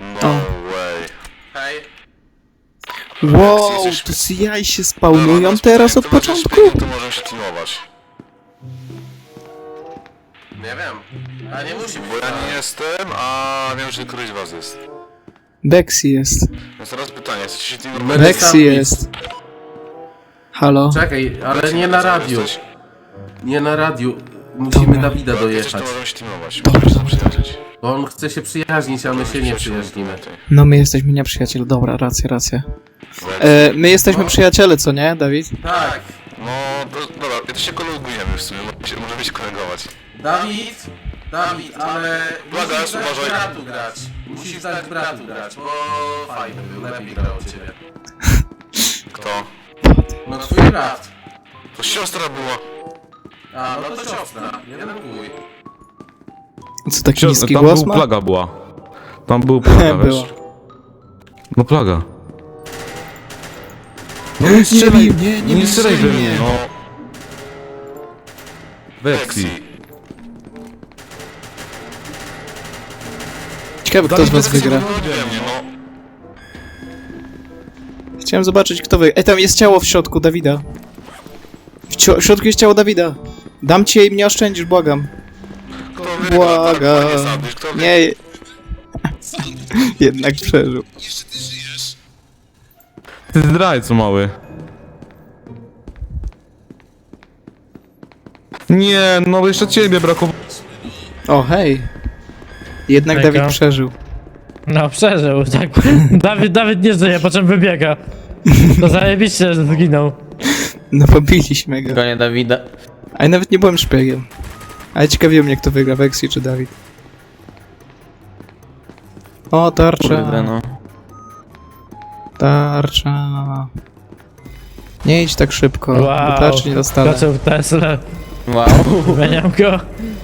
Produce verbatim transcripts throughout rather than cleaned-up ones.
No way. Hej. Jak Wow, to jesteśmy- C I się Dobra, spawnują no, teraz od to będzie początku? szpieg, to możemy się teamować. Nie wiem. A nie musi Bo ja nie jestem, a wiem, że któryś z was jest. Bexy jest. Więc teraz pytanie, chcecie się My- teamować? Bexy jest. Halo? Czekaj, ale nie na radiu. Jesteś? Nie na radiu. Musimy Dobra. Dawida Jak jesteś, dojechać. to możemy się teamować. Dobra, Możemy dobra, przyjaźnić. Bo on chce się przyjaźnić, a my się nie przyjaźnimy. No my jesteśmy nieprzyjaciele, dobra, racja, racja. E, my jesteśmy przyjaciele, co nie, Dawid? Tak. No, to, dobra, ja to się kolegujemy w sumie, możemy się- możemy się kolegować. Dawid, Dawid, ale Uwaga, musisz dać uważaj. bratu grać. Musisz dać bratu grać, bo fajny był, lepiej grał od ciebie. Kto? No twój brat. To siostra była. A, no to siostra, jeden chuj. Co, taki Cio- niski tam głos był ma? plaga była. Tam był plaga, wiesz? Była. No plaga. No Nie nie strzelaj, bij mnie, nie nie bij strzelaj we mnie. mnie, no. Lexi. Vexi. Ciekawe, kto z was wygra. Nie mnie, no. Chciałem zobaczyć, kto wygra. Ej, tam jest ciało w środku Dawida. W, cio- w środku jest ciało Dawida. Dam ci je i mnie oszczędzisz, błagam. Kto wygra? Błagam. Nie sandwich, kto wygra? Nie. Jednak przeżył. Ty zdrajco mały. Nie, no jeszcze ciebie brakowało. O, hej. Jednak Hejka. Dawid przeżył. No przeżył, tak. Dawid, Dawid nie żyje, po czym wybiega. To zajebiście, że zginął. No pobiliśmy go. Gonię Dawida. A ja nawet nie byłem szpiegiem. Ale ciekawiło mnie, kto wygra, Vexy czy Dawid. O, tarcza. Kurde no. Tarcza. Nie idź tak szybko, bo Wow, tarczy nie dostanę. skoczył w Tesla. Wow. Wymieniam go.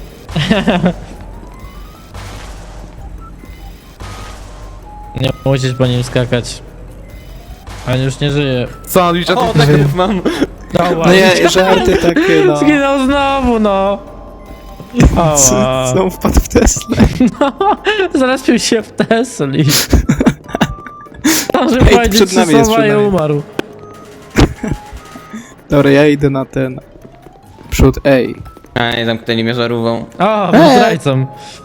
Nie musisz po nim skakać. On już nie żyje. Sandwich, a O, ty... tak mam. No ja, żarty takie, no. Zginął znowu, no. O, Co, wow. co wpadł w Tesla? Zalespił się w Tesli. Zdążył Ej, powiedzieć przed trzy nami jest, słowa przed i nami. umarł. Dobra, ja idę na ten... Przód, ej. A, nie zamknęli mnie żarówą. O, był Eee. zdrajcą.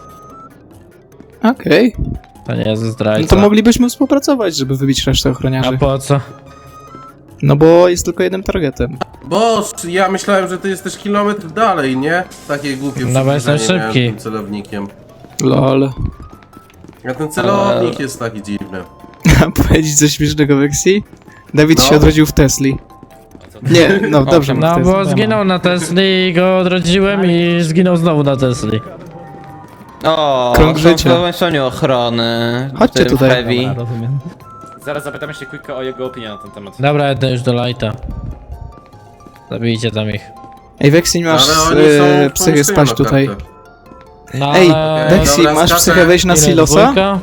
Okej. To nie jest No zdrajca. to moglibyśmy współpracować, żeby wybić resztę A ochroniarzy. po co? No bo jest tylko jednym targetem. Boż, ja myślałem, że ty jesteś kilometr dalej, nie? Takie głupie No bo jestem przybliżenie miałem szybki. tym celownikiem. Lol. A ten celownik jest taki dziwny. A powiedzieć coś śmiesznego, Vexy? Dawid No. się odrodził w Tesli. Nie, no dobrze, No mów bo Tesla. zginął na Tesli i go odrodziłem i zginął znowu na Tesli. O, Krąg są życia. w połączeniu ochrony. Chodźcie w tym tutaj. Heavy. Rozumiem. Zaraz zapytamy się Quicka o jego opinię na ten temat. Dobra, jedę już do Lighta. Zabijcie tam ich. Ej, Vexy, masz Ale oni są e, w psychę pomieszczeniu spać na tutaj. kartę. No, Ej, ale- Vexy, Dobra, masz skaczę. psychę wejść na Ile, silosa? dwójka?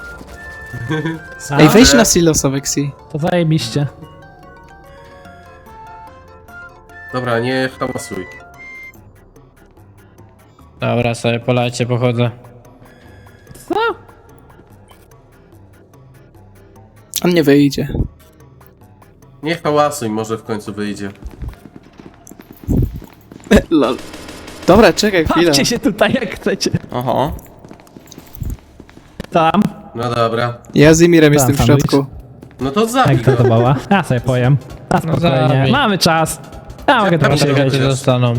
Ej, wejdź na silosa, Vexy. To zajebiście. Dobra, nie hałasuj. Dobra, sobie po Lightie pochodzę. On nie wyjdzie. Nie hałasuj, może w końcu wyjdzie. Lol. Dobra, czekaj chwilę. Bawcie się tutaj jak chcecie. Oho. Tam. No dobra. Ja z Imirem jestem w sandwich. środku. No to zabij Jak to to go. bała? Ja sobie powiem. A No spokojnie. zabij. Mamy czas. Ja mogę Tam tam się się chociaż. Czekajcie, zostaną.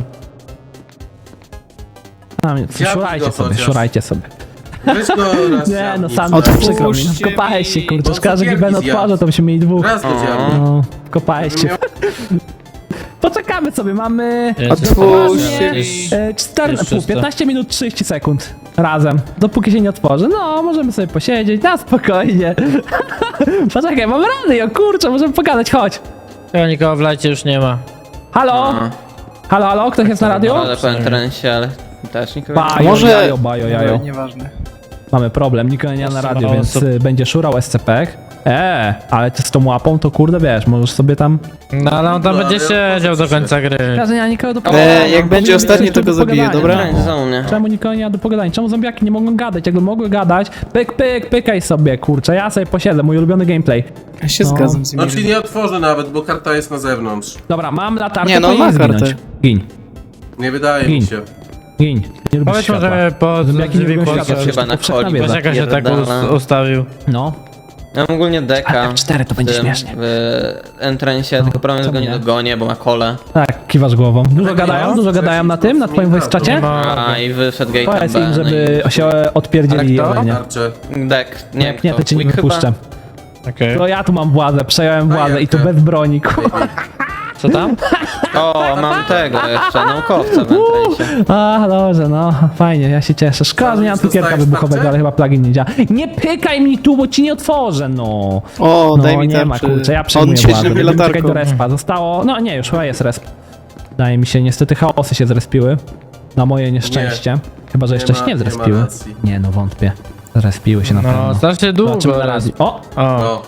Szurajcie go sobie, chociaż. szurajcie sobie. Weź go raz Nie dziabnij. no, sam Otwórzcie przykro mi. No, kopałeś się, mi, kurczę. bo Szkoda, że cukierki Giben zjadł. odparza, to byśmy mieli dwóch. Raz go dziabnij. No, kopałeś się. Miał- Poczekamy sobie, mamy... Otwórzcie Jest- mi. E, cztery, Jest pół, czysto. piętnaście minut trzydzieści sekund razem, dopóki się nie otworzy. No, możemy sobie posiedzieć, na spokojnie. Poczekaj, mam radio, kurczę, możemy pogadać, chodź. Chyba nikogo w Lightie już nie ma. Halo? Halo, halo, ktoś jest na radio? Ale po entrencie, ale też nikogo nie ma. Bajo, Może- jajo, bajo, jajo. Nieważne. Mamy problem, nikogo nie ma na radio, Mało więc osób. y, będzie szurał S C P. Eee, ale ty z tą łapą to kurde wiesz, możesz sobie tam... No ale on tam No, będzie ale siedział do końca gry. Ja nie ma nikogo do E, pogadania. jak będzie Powinien ostatni, być to tu go do zabiję, pogadania. dobra? Granic zone. Czemu nikogo nie ma do pogadania? Czemu zombiaki nie mogą gadać? Jakby mogły gadać, pyk, pyk, pykaj sobie, kurczę, ja sobie posiedzę, mój ulubiony gameplay. Ja się No. zgadzam z No nim. czyli nie otworzę nawet, bo karta jest na zewnątrz. Dobra, mam latarkę, Nie, no, powinien ma kartę. zginąć. Gin, Nie wydaje Gin. mi się. gin, nie lubisz Powiedz światła. może po Zombiaki nie drzwi lubią po światła, Chyba na powszechna coli. wiedza. Wiesz jak się tak Pierdala. us- ustawił. No, Ja mam ogólnie deka. F cztery to w będzie tym, śmiesznie. W entrancie, tylko problem, że go czemu nie nie? dogonię, bo ma kole. tak, kiwasz głową. Dużo Tak, gadają? no. Dużo gadają na tym, na twoim voice czacie? A, i wyszedł gate'em Powiedz B. im, no żeby się odpierdzieli Ale kto? ode mnie. Tarczę. i- Dek, nie Jak nie, kto. to cię nie Quick chyba? wypuszczę. Okej. To ja tu mam władzę, przejąłem władzę i to bez broni, kurwa. Co tam? O, mam tego jeszcze, naukowca w entrancie. A, dobrze, no, fajnie, ja się cieszę. Szkoda, że nie mam cukierka Dostałeś wybuchowego, tarczę? ale chyba plugin nie działa. Nie pykaj mi tu, bo ci nie otworzę, no. O, No, daj mi nie ma, tarczę. kurczę, ja On przejmuję świeci władzę. na mnie Będziemy czekać do latarką. respa. Zostało, no nie, już chyba jest resp. Wydaje mi się, niestety chaosy się zrespiły. Na moje nieszczęście. Chyba, że jeszcze Nie się ma- nie nie ma zrespiły. racji. Nie, no wątpię. Zrespiły się na No, pewno. strasznie długo. Zobaczymy na razie. O, O, No.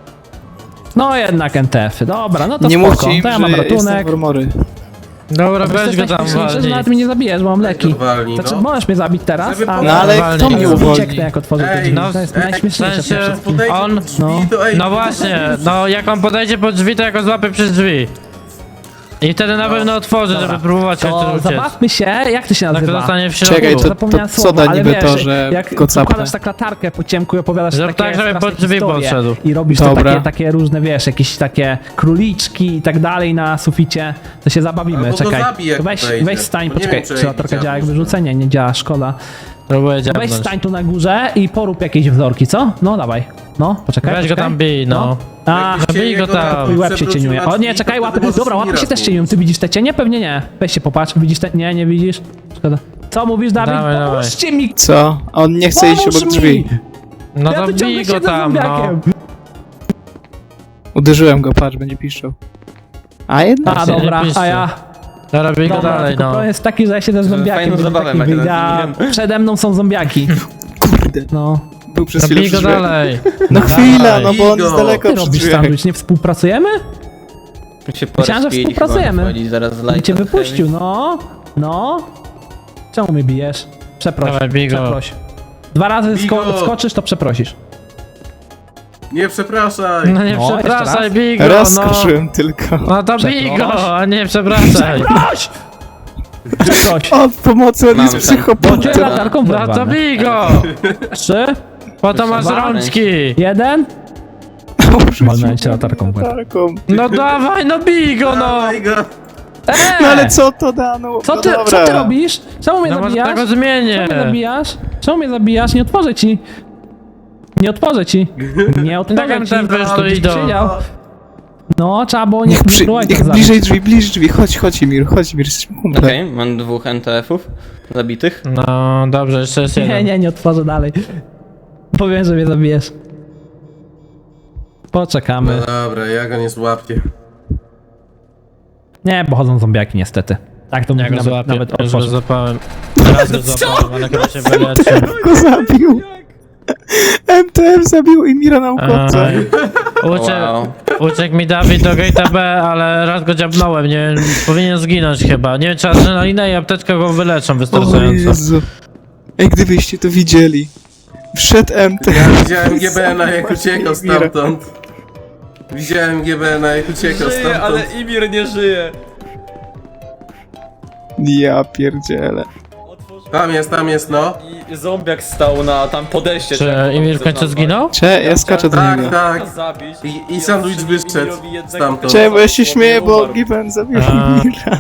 no jednak N T F-y. Dobra, no to Nie spoko. mówcie im, To ja że mam jestem ratunek. w armory. dobra, weź go Jesteś tam najśmieszniejszy, że walnij. nawet mnie nie zabijesz, bo mam leki. Walnij, Znaczy, no. możesz mnie zabić teraz, Żeby ale... No ale Walnij. kto mnie No, uwolni? Ucieknę, jak otworzę te Ej, drzwi. no, To jest ej, najśmieszniejsze w sensie- przecież. Podejdzie On- pod drzwi, no. to ej, No to właśnie, jest- no jak on podejdzie pod drzwi, to ja go złapię przez drzwi. I wtedy na pewno otworzy, żeby próbować się To uciec. zabawmy się, jak to się Tak to nazywa? zostanie w środku. Czekaj, to- Zapomniałem co słowa, da ale niby wiesz, to, że jak go capnę? układasz tak latarkę po ciemku i opowiadasz Zrób takie tak, żeby straszne pod drzwi historie podszedł. i robisz to Dobra. takie, takie różne, wiesz, jakieś takie króliczki i tak dalej na suficie, to się zabawimy, Albo go czekaj. zabij, jak To weź, podejdzie. weź stań, Bo nie poczekaj, wiem, czy czy latarka działa działa jak może. wyrzucenie? Nie działa, szkoda. Próbuję Weź dziabnąć. stań tu na górze i porób jakieś wzorki, co? No dawaj, no, poczekaj, Weź go poczekaj. tam bij, no. A, Jakbyście bij go jego tam. na- twój łeb się przewrócił cieniuje. na O nie, drzwi, czekaj, to łapy. wtedy możesz Dobra, łapy Mira się też zmienić. cieniują. Ty widzisz te cienie? Pewnie nie. Weź się popatrz, widzisz te... Nie, nie widzisz? Szkoda. Co mówisz, Dawid? Dawaj, dawaj. Pomóżcie mi! Co? On nie chce iść Pomóż obok mi! drzwi. No Ja to tu ciągle bij go siedzę z tam, no. zombiakiem. Uderzyłem go, patrz, będzie piszczał. A jednak A nie. dobra, piszcie. a ja... Dobra, bij go Dobra, dalej, tylko no. problem jest taki, że ja siedzę z zombiakiem, fajną żeby zabawę taki ma wyjdzie, grać z a przede mną są zombiaki. Kurde, No. był przez No chwilę bij go przy drzwiach. dalej. No chwila, no bo on Bij jest go. daleko Ty przy robisz drzwiach. sandwich, nie współpracujemy? Się Myślałem, że porozpili, współpracujemy. chyba wychodzi zaraz I light cię and wypuścił, no. No. Czemu mnie bijesz? Przeproś, Dawaj, bij go. przeproś. Dwa razy Bij sko go. skoczysz, to przeprosisz. Nie przepraszaj. No nie No, jeszcze przepraszaj, raz. bij go, Raz no. skoczyłem tylko. No to bij Przeproś. go, a nie przepraszaj. Przeproś! Przeproś! O, pomocy, on Mam jest tam. psychopatem. Cię latarką No to wyrwane. bij go. Trzy, Po to masz Dwa. rączki. jeden. Walnąłem cię latarką w łeb. Latarką. No dawaj, no bij go, no. Dawaj go. No ale co to da? No, Co no ty, dobra. co ty robisz? Czemu mnie No może zabijasz? tego zmienię. Czemu mnie zabijasz? Czemu mnie zabijasz? Nie otworzę ci. Nie otworzę ci. Nie otworzę Tak ci. M T F już to Byś idą. siedział. No, trzeba było nie Niech, przy, próbować niech tak zabić. bliżej drzwi, bliżej drzwi. Chodź, chodź Emir, chodź Emir, jesteśmy kumple. Okej, mam dwóch N T F-ów zabitych. No dobrze, jeszcze jest Nie, jeden. nie, nie otworzę dalej. Powiem, że mnie zabijesz. Poczekamy. No dobra, ja go nie złapię. Nie, bo chodzą zombiaki niestety. Tak to Ja mówi go nawet, złapię, nawet już go otworzę. złapałem. Raz go złapałem, ale chyba się wyleczył. Go zabił. M T F zabił Emira naukowca. Aj. Uciekł, Wow. uciekł mi Dawid do gate'a B, ale raz go dziabnąłem, nie wiem, powinien zginąć chyba. Nie wiem, czy adrenalinę i apteczka go wyleczą O wystarczająco. Jezu. Ej, gdybyście to widzieli. Wszedł M T F. Ja widziałem G B N-a jak uciekał stamtąd. Widziałem G B N-a jak uciekał stamtąd. Imir nie żyje. Ja pierdzielę. Tam jest, tam jest, no. I zombiak stał na tam podejście. Czy Emir w końcu zginął? Cze, ja skaczę do Tak, niego. tak. Zabić. I, i sandwich wyszedł stamtąd. Cze, bo ja się śmieję, bo Given zabił A. Emira.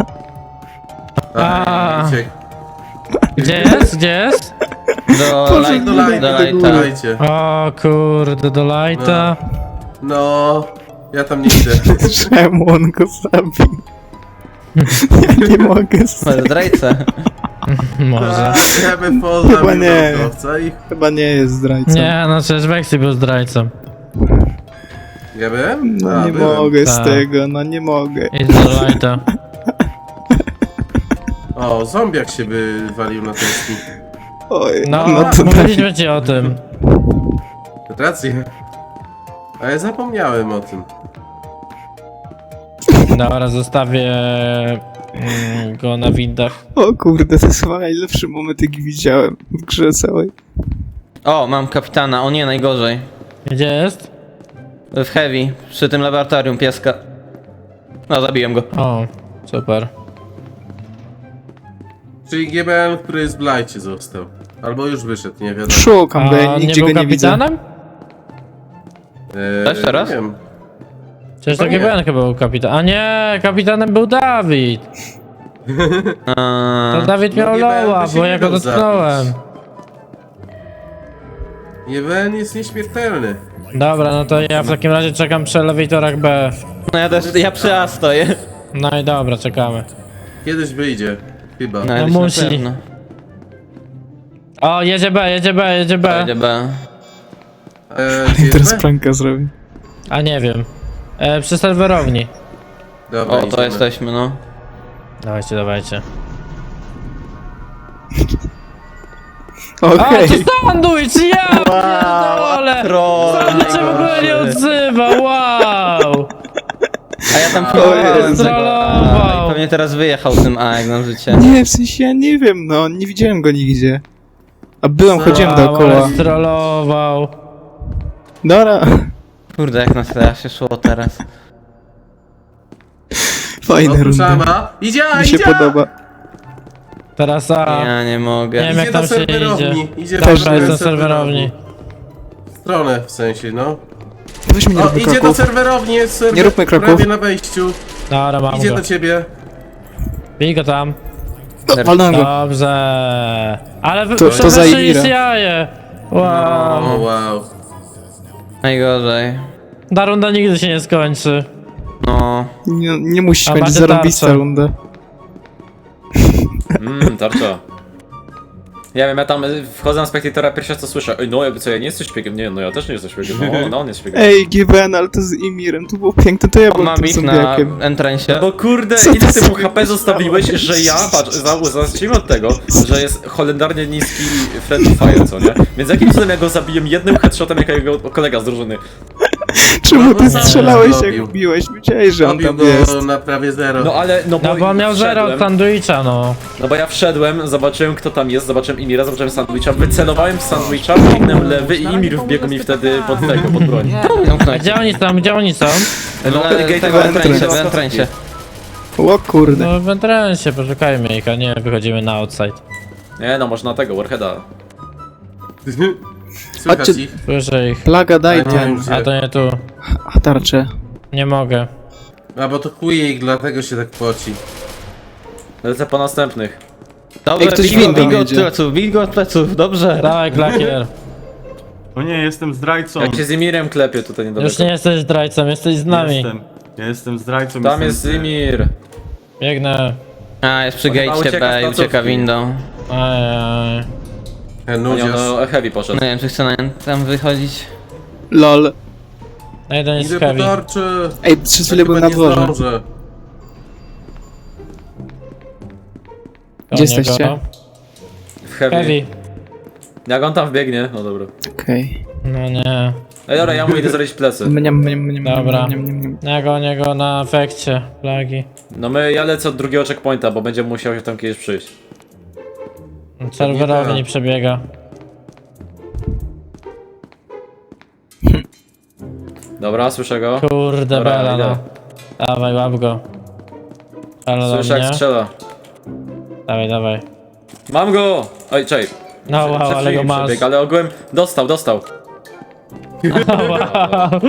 A, A. uciekł. Gdzie jest? Gdzie jest? Do, Boże, light, Do do lighta, do lighta. dajcie. O kurde, do lighta. No, ja tam nie idę. Czemu on go zabił? Ja nie mogę z Ale zdrajcę. Może. Ja bym poznał Chyba nie. naukowca i... Chyba nie jest zdrajcą. Nie, no przecież Vexy był zdrajcą. Ja bym? No A, nie byłem. mogę z Tak. tego, no nie mogę. Idź do lighta. O, zombiak się by walił na tęskni. Oj, No, no to daj. mówiliśmy ci o tym. Rację. A ja zapomniałem o tym. Dobra, zostawię mm, go na windach. O kurde, to jest chyba najlepszy moment, jaki widziałem w grze całej. O, mam kapitana, o nie, najgorzej. Gdzie jest? W Heavy, przy tym laboratorium pieska. No, zabiłem go. O, super. Czyli G B N, który jest w lajcie został. Albo już wyszedł, nie wiadomo. Szukam go, A ja nie nigdzie był go nie widzę. kapitanem? Eee, Też teraz? Nie wiem. Przecież to Chyba nie. G B N chyba był kapitan. A nie, kapitanem był Dawid. Eee, To Dawid No miał G B N loła, by się bo nie ja go dał dotknąłem. G B N jest nieśmiertelny. Dobra, no to ja w takim razie czekam przy elewatorach B. no ja też, ja przy A stoję. No i dobra, czekamy. Kiedyś wyjdzie. Chyba. No, No jakoś na musi. pewno. O, jedzie B, jedzie B, jedzie B. Będzie B. Eee, gdzie Teraz jest B? pranka zrobię. A nie wiem. E, przy serwerowni. Dobra, O, to idziemy. jesteśmy, no. Dawajcie, dawajcie. Okej. A, to sandwich, ja pierdolę! troll Sandwich się w ogóle nie odzywa, wow! A ja tam O pilnowałem Jezu. tego A Trollował. i pewnie teraz wyjechał tym A jak na życie. Nie, w sensie ja nie wiem, no, nie widziałem go nigdzie. A byłem, chodziłem Wow, dookoła. ale strollował. Dobra, Kurde, jak na tyle się szło teraz. fajna Otóż runda. Ama. Idzie, Mi się idzie! podoba. Teraz A. Ja nie mogę. Nie wiem Idzie jak do tam się serwerowni. idzie. Idzie Też Dobra, do jestem serwerowni. W stronę w sensie, no. Weź mi nie O, róbmy idzie do kroków. serwerowni, jest serwer. Nie róbmy kroków. Prawie na wejściu. Dobra, mam Idzie go. do ciebie. Bij go tam. O, walnąłem go. Dobrze. Ale wy To- to to za Imira. jaje. Wow. O, wow. Najgorzej. Ta runda nigdy się nie skończy. No. Nie, nie musi A być macie zarąbista tarczę. runda. Mmm, tarcza. Ja wiem, ja tam y, wchodzę na spektatora, pierwsze co słyszę. Ej, no jakby co, ja nie jesteś szpiegiem. Nie, no ja też nie jestem szpiegiem. No, no on jest szpiegiem. Ej, G B N, ale to z Imirem, to było piękne, to ja On byłem ma tym bit na zombiakiem. entrancie. Bo kurde, Co ile to ty mu za- H P zostawiłeś, że ja, patrz, za- zacznijmy od tego, że jest holendarnie niski friendly fire, co nie? Więc jakim cudem ja go zabiję jednym headshotem, jak jego kolega z drużyny. Czemu ty No, strzelałeś zrobił. jak biłeś? Wiedziałeś, że on Robił tam go jest. na prawie zero. No ale, no bo, No bo on miał zero od wszedłem, sandwicha, no. no bo ja wszedłem, zobaczyłem kto tam jest, zobaczyłem Imira, zobaczyłem sandwicha, wycelowałem w sandwicha, biegnę lewy i Imir wbiegł mi wtedy pod tego, pod broń. A Zamknąć. gdzie oni są, gdzie oni są? No, No, ale gate tego w w entrancie, w entrancie. entrancie. O kurde. No w entrensie, poszukajmy ich, a nie wychodzimy na outside. Nie no, można tego, Warheada. Słychać Chodźcie- ich. Słyszę ich. Plaga, daj A nie, ten. już A to nie tu. A tarczę. Nie mogę. A bo to Quick, dlatego się tak poci. Lecę po następnych. Dobrze, Ej, ktoś bij go, windą bij go od jedzie. pleców, bij go od pleców, dobrze. Dawaj, klakier. O nie, jestem zdrajcą. Jak się z Imirem klepie tutaj niedaleko. Już nie jesteś zdrajcą, jesteś z nami. Jestem. Ja jestem zdrajcą. Tam jestem jest Imir. Biegnę. A, jest przy On chyba gate ucieka z B i placówki. ucieka windą. Ajaj. E, No, Nudziarz. no heavy poszedł. No nie wiem, czy chce na tam wychodzić. Lol. No jeden jest Idę po heavy. tarczy. Ej, przez Ja chwilę byłem chyba na nie dworze. zdążę. Gdzie Koło jesteście? niego. W heavy. Heavy. Jak on tam wbiegnie? No dobra. Okej. No nie. Ej dobra, ja mu idę zrobić plecy. Mniam, mniam, mniam, Dobra. mniam, mniam, mniam. Ja gonię go na efekcie. Plagi. No my, ja lecę od drugiego checkpointa, bo będzie musiał się tam kiedyś przyjść. Serwerowy tak. nie przebiega. Dobra, słyszę go. Kurde Dobra, bela, idę. no. Dawaj, łap go. Ale do Słyszę jak mnie. strzela. Dawaj, dawaj. Mam go! Oj, czej. No wow, Przed ale chwilą go masz. przebiegł, ale ogółem dostał, dostał. Wow.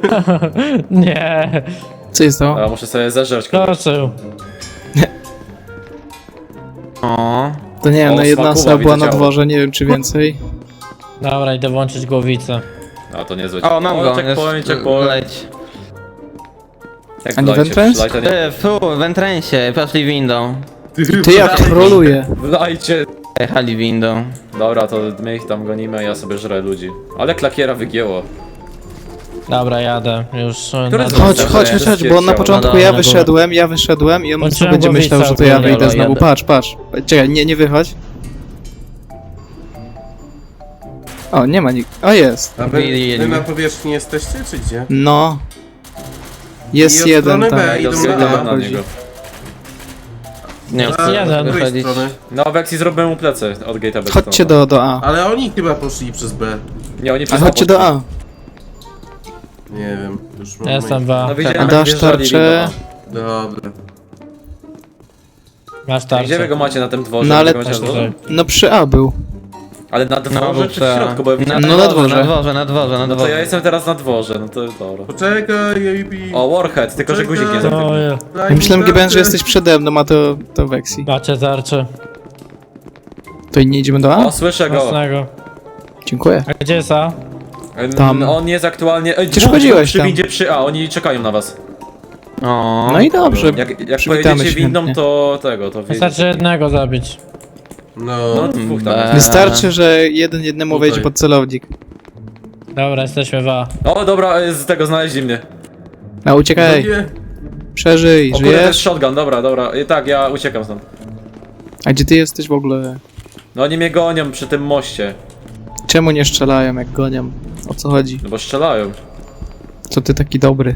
Nie. Co jest to? Dobra, muszę sobie zeżreć. Skoczył. O, To nie wiem, O, no jedna smakuwa, osoba była widzę na ciało. dworze, nie wiem czy więcej. Dobra, idę włączyć głowicę. A to niezłe. o mam go. Checkpoint, jest- checkpoint. Leć. Jak A nie wlajcie, Ventrance? wlajcie, nie- Ty, fu, w entrancie, poszli windą. Ty jak troluje. Wlajcie. Jechali windą. Dobra, to my ich tam gonimy, a ja sobie żrę ludzi. Ale klakiera wygięło. Dobra, jadę. Już. Który na z dół. Chodź, Dobra, chodź, jest chodź, chodź, bo on na ciało. początku No ja dobra, wyszedłem, ja wyszedłem i on Włączyłem sobie będzie głowicę myślał, że to ja ogólnie, wyjdę ale znowu. jadę. Patrz, patrz. Czekaj, nie, nie wychodź. O, nie ma nikt. O, jest. A wy, Mieli- wy na powierzchni jesteście, czy gdzie? No. Jest I od jeden strony tam. B idą Idę na na A. niego. Nie, A, jeden. z której wychodzić. strony? No, Vexi zrobiłem mu plecy od gate'a B. Chodźcie do, do A. Ale oni chyba poszli przez B. Nie, oni A przez chodźcie do A. Nie wiem, już mam Ja jestem myśl. wa. No widziałem, A jak dasz wjeżdżali tarczę? do Dobra. Masz A. tarczę. Gdzie wy go macie na tym dworze? No ale- Wy go macie na dworze? No przy A był. Ale na No, dworze bo czy w trzeba- środku? Bo ja na, widziałem... No, na dworze. Na dworze, na dworze, na No to ja dworze. jestem teraz na dworze, no to dobra. Poczekaj, A B. O, Warhead, tylko że guzik nie O, zamknął. je. Daj mi Myślałem, G B N, że tarczę. jesteś przede mną, a to, to Vexi. Macie tarczę. To i nie idziemy do A? O, słyszę go. Mocnego. Dziękuję. A gdzie jest A? Em, Tam. On jest aktualnie... Ej, Przecież dwóch chodziłeś przy tam. windzie przy A, oni czekają na was. O, No i dobrze. Jak, jak Przywitamy pojedziecie się windą, chętnie. to tego, to wiecie. Wystarczy jednego zabić. No, No, dwóch tam. Be- Wystarczy, że jeden jednemu Tutaj. wejdzie pod celownik. Dobra, jesteśmy w A. O, dobra, z tego znaleźli mnie. A uciekaj, Drugie. przeżyj, O kurde, to jest żyjesz? shotgun, dobra, dobra. I tak, ja uciekam stąd. A gdzie ty jesteś w ogóle? No oni mnie gonią przy tym moście. Czemu nie strzelają jak gonią? O co chodzi? No bo strzelają. Co ty taki dobry?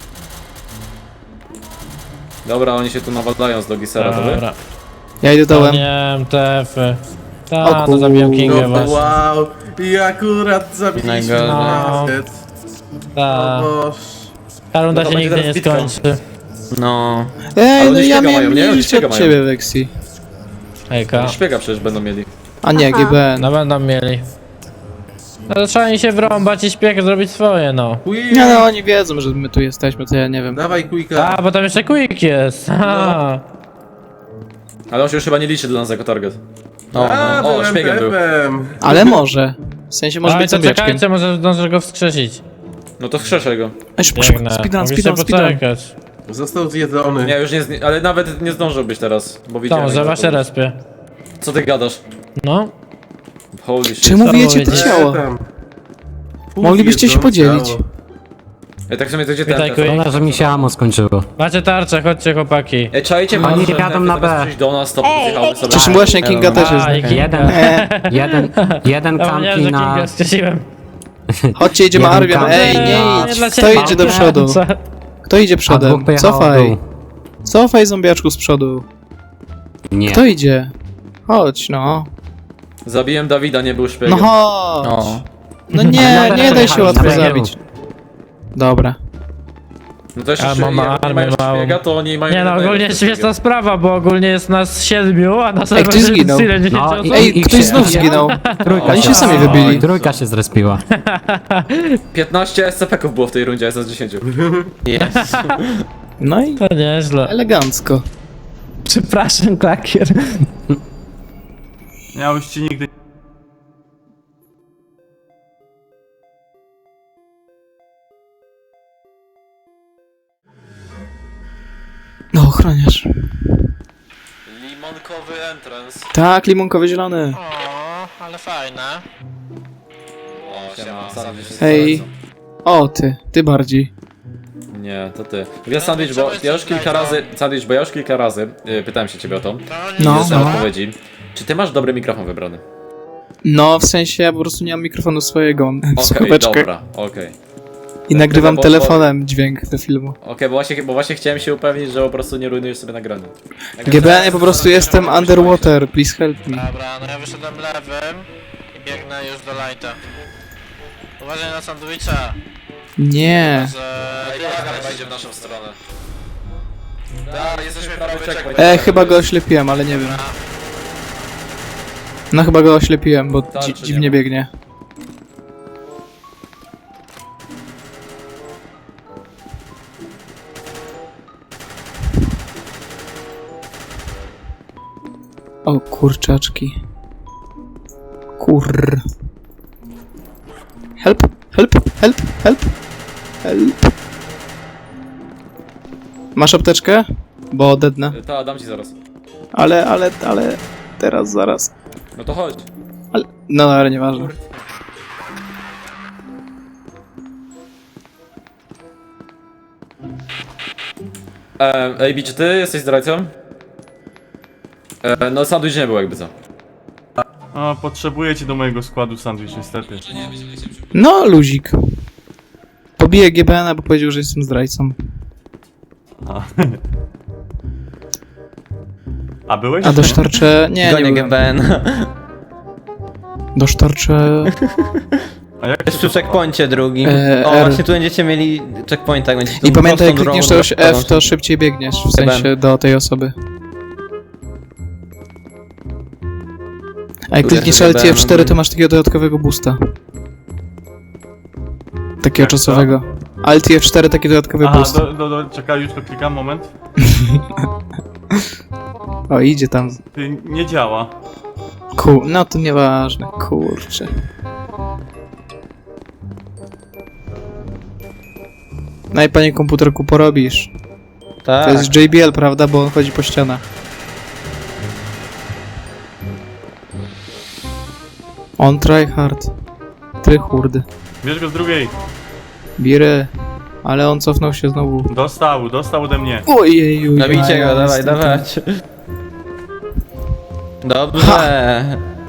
Dobra, oni się tu nawalają z Logisera, to wy? Dobra. Ja idę O dołem. nie, M T F-y. O Ta, to zabiłem Kingę No, właśnie. wow. I akurat zabiliśmy Najgorzej. Warhead. Ta. O Boż. Ta runda No to się będzie nigdy nie teraz bitwa. skończy. no. Ej, oni no ja śpiega miałem mają, nie? Oni mniej śpiega od mają. ciebie, Vexi. Hejka. Szpiega przecież będą mieli. A nie, G B N. No będą mieli. No to trzeba im się wrąbać i śpiech zrobić swoje, no. Quick. Nie no, oni wiedzą, że my tu jesteśmy, to ja nie wiem. Dawaj Quicka. A, bo tam jeszcze Quick jest. Aha. Ale on się już chyba nie liczy dla nas jako target. O, A, no. O, byłem szpiegiem był. pepem. Ale może. W sensie może Ale być to zombiaczkiem. czekajcie, może zdążę go wskrzesić. No to wskrzeszę go. Ej, szybko, szybko, Biegnę. speedrun, Mogliście speedrun, speedrun. poczekać. Został zjedzony. Nie, już nie, zni- ale nawet nie zdążył być teraz, bo To, widziałem. że jak wasze to- respie. Co ty gadasz? No. Holy shit. Czemu Co wiecie to powiedzieć? ciało? Tam. Pół Moglibyście się jedzą podzielić. ciało. Ej, tak w sumie to gdzie Witaj, ten Quick. telefon? że mi się ammo skończyło. Macie tarczę, chodźcie chłopaki. Ej, czajcie, Oni może jadą na zamiast B. przyjść do nas, to wyjechały sobie. Przecież właśnie Kinga też jest. A, i Kinga. Jeden, jeden, jeden Zapomniałem, kampi że na... Kinga skrzesiłem. Chodźcie, idziemy Jeden Arwian. kamp. Ej, Nie, nie nie idź. dla Kto ciebie. idzie do przodu? Co? Kto idzie A dwóch przodem? pojechało w Cofaj. dół. Cofaj zombiaczku z przodu. Nie. Kto idzie? Chodź, no. Zabiłem Dawida, nie był No szpiegiem. chodź. O. No nie, nie daj się łatwo Dobra. zabić. Dobra. No to jeszcze, A, że mam jak nie armię mają małą. szpiega, to oni mają... Nie no, jednego ogólnie szpiega. śmieszna sprawa, bo ogólnie jest nas siedmiu, a na Ej, serwerze ktoś jest zginął. tyle dziesięć No, osób. i- Ej, ktoś się- znów zginął. Trójka Oni się sami Oj, wybili. Trójka się zrespiła. piętnaście S C P-ków było w tej rundzie, S dziesięć. Jest. No i To nieźle. elegancko. Przepraszam, klakier. Miałeś ci nigdy... No, ochroniarz. Limonkowy entrance. Tak, limonkowy zielony. O, ale fajne. O, siema, sandwich jest Hej. bardzo. O, ty. Ty bardziej. Nie, to ty. Ja sandwich, bo ja już kilka razy, sandwich, bo ja już kilka razy y, pytałem się ciebie o to. No, Nie dostałem no. odpowiedzi. Czy ty masz dobry mikrofon wybrany? No, w sensie ja po prostu nie mam mikrofonu swojego. Mam Okej, słuchaweczkę. dobra, okej. I nagrywam bo- bo- telefonem dźwięk do filmu. Okej, bo, właśnie, bo właśnie chciałem się upewnić, że po prostu nie rujnujesz sobie nagrania. Jak G B N, teraz- ja po prostu jestem underwater, please help me. Dobra, no ja wyszedłem lewym i biegnę już do lighta. Uważaj na sandwicha, Nie. że... Ej, laga chyba idzie w naszą stronę. Tak, jesteśmy prawie checkpoint. E, chyba go oślepiłem, ale nie wiem. No chyba go oślepiłem, bo Tak, dzi czy nie dziwnie ma? biegnie. O kurczaczki. Kur. Help, help, help, help, help. Masz apteczkę? Bo dednę. Ta, dam ci zaraz. Ale, ale, ale... Teraz, zaraz. No to chodź. Ale... No, ale nieważne. E, Ej, Bi, czy ty jesteś zdrajcą? E, no sandwich nie był jakby co. O, No, potrzebuję cię do mojego składu, Sandwich, niestety. No, luzik. Pobiję G B N, bo powiedział, że jestem zdrajcą. A, A byłeś? A dosztorczę... Nie, nie Gonię byłem. G B N. Dosztorczę... A jak Jest przy checkpoincie drugim. E, O, R. właśnie tu będziecie mieli checkpoint, tak będziecie I tą pamiętaj, jak prostą klikniesz drogą też F, to szybciej biegniesz, w G B N. sensie do tej osoby. A jak Tu klikniesz jest L G B T N, F cztery, to masz takiego dodatkowego boosta. Takiego Jak to? czasowego. Alt F cztery, taki dodatkowy Aha, boost. do, do, do, czekaj, już to klikam, moment. O, idzie tam. Ty, nie działa. Ku... No to nieważne, kurczę. No i panie komputerku, porobisz. Tak. To jest J B L, prawda? Bo on chodzi po ścianach. On try hard. Tryhurd. Bierz go z drugiej. Bire. Ale on cofnął się znowu. Dostał, dostał ode mnie. Ojeju. Nabijcie ja go, dawaj, jestem dawać. Dobrze.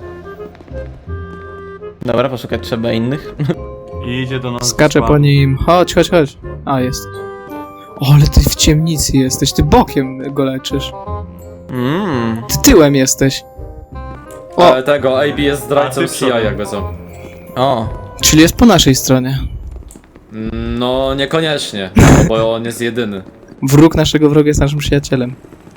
Dobra, poszukać trzeba innych. I idzie do nas. Skaczę do po nim. Chodź, chodź, chodź. A, jest. O, ale ty w ciemnicy jesteś. Ty bokiem go leczysz. Mmm. Ty tyłem jesteś. O. Ale tego, A B jest A, zdrajcą ty C I przodem. jakby co. O. Czyli jest po naszej stronie. No, niekoniecznie, no, bo on jest jedyny. Wróg naszego wroga jest naszym przyjacielem.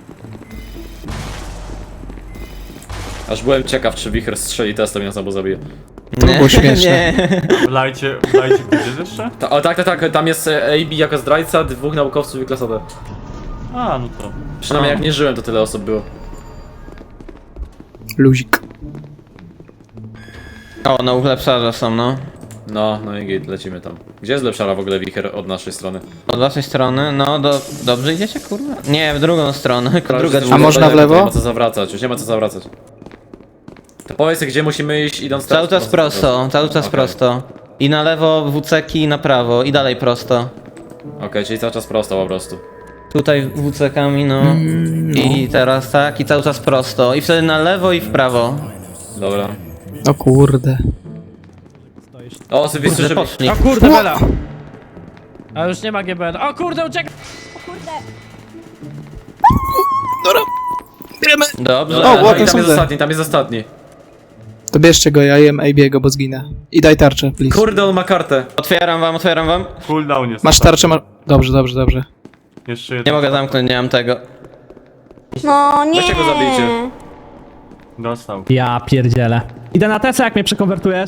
Aż byłem ciekaw, czy Wicher strzeli testem i nas albo zabije. To było śmieszne. Nie. Wlajcie, wlajcie gdzieś jeszcze? Ta, o tak, tak, tak, tam jest e, A B jako zdrajca, dwóch naukowców i klasa D. A, no to. Przynajmniej jak nie żyłem, to tyle osób było. Luzik. O, no ulepszarze są, no. No, no i git, lecimy tam. Gdzie jest lepszara w ogóle Wicher od naszej strony? Od waszej strony, no do... Dobrze idziecie, kurwa? Nie, w drugą stronę, druga A można w lewo? Nie ma co zawracać, już nie ma co zawracać. To powiedz, gdzie musimy iść idąc Cały czas prosto, cały czas Okej. prosto. I na lewo W C K i na prawo, i dalej prosto. Okej, czyli cały czas prosto po prostu. Tutaj W C Kami, no. I teraz tak, i cały czas prosto. I wtedy na lewo i w prawo. Dobra. O kurde. O, sobie Kurde, słyszę... poszli. O kurde, Bela! A już nie ma G B N. O kurde, uciekaj! Dobrze. O, O, ładne i tam są jest te. ostatni, tam jest ostatni. To bierzcie go, ja jem A B'ego, bo zginę. I daj tarczę, please. Kurde, on ma kartę. Otwieram wam, otwieram wam. Cooldown jest. Masz tarczę, masz... Dobrze, dobrze, dobrze. Jeszcze Nie jeden. mogę zamknąć, nie mam tego. No nie. Weźcie go zabijcie. Dostał. Ja pierdzielę. Idę na Tesla, jak mnie przekonwertujesz.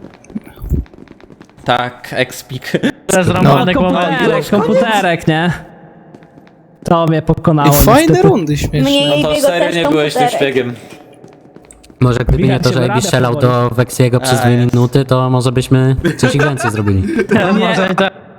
Tak, expik. Zrąbanek momentu. Komputerek, komputerek, nie? To mnie pokonało. I fajne niestety. rundy śmieszne. Mnie No to Biego serio też nie byłeś tym komputerek. szpiegiem. Może gdyby nie Widać to, się że na Ebi radę strzelał powoli. do Weksiego przez A, dwie jest. minuty, to może byśmy coś więcej zrobili. Może i tak.